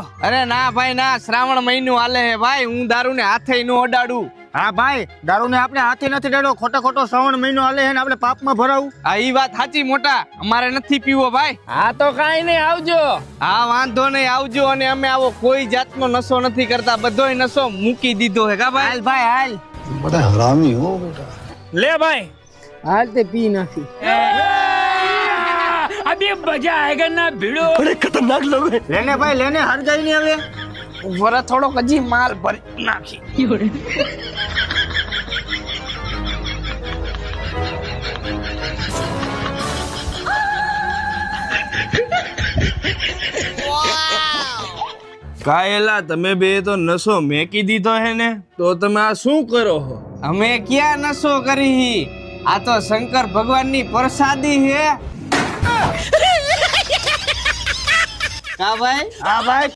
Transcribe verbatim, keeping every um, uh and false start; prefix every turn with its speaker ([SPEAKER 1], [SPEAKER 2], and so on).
[SPEAKER 1] અરે ના ભાઈ ના, શ્રાવણ મહિનો હાલે હે ભાઈ, હું દારૂ ને હાથે નો અડાડું.
[SPEAKER 2] હા ભાઈ, દારૂ ને આપણે હાથે નથી ડેડો, ખોટો ખોટો શ્રાવણ મહિનો હાલે હે ને આપણે પાપમાં ભરાવું.
[SPEAKER 1] આ ઈ વાત સાચી મોટા, અમારે નથી પીવો ભાઈ.
[SPEAKER 3] હા તો કાઈ નહીં, આવજો.
[SPEAKER 1] હા વાંધો નહીં, આવજો. અને અમે આવો કોઈ જાતનો નશો નથી કરતા, બધોય નશો મૂકી દીધો હે કા ભાઈ.
[SPEAKER 2] હાલ ભાઈ હાલ.
[SPEAKER 4] बड़ा हरामी हो बेटा.
[SPEAKER 3] લે ભાઈ,
[SPEAKER 2] હાલ તે પી નાખી.
[SPEAKER 3] અભી મજા આયેગા ના ભીડો.
[SPEAKER 4] बड़े खतरनाक लोग हैं.
[SPEAKER 2] લેને ભાઈ લેને, હરગાઈ ની હવે.
[SPEAKER 1] વરા થોડોક હજી માલ ભરી નાખી.
[SPEAKER 5] કાયલા તમે બે તો નશો મેકી દીધો હે ને, તો તમે આ શું કરો છો?
[SPEAKER 1] અમે ક્યાં નશો કરી, આ તો શંકર ભગવાન ની પ્રસાદી હે. કા ભાઈ?
[SPEAKER 2] હા ભાઈ.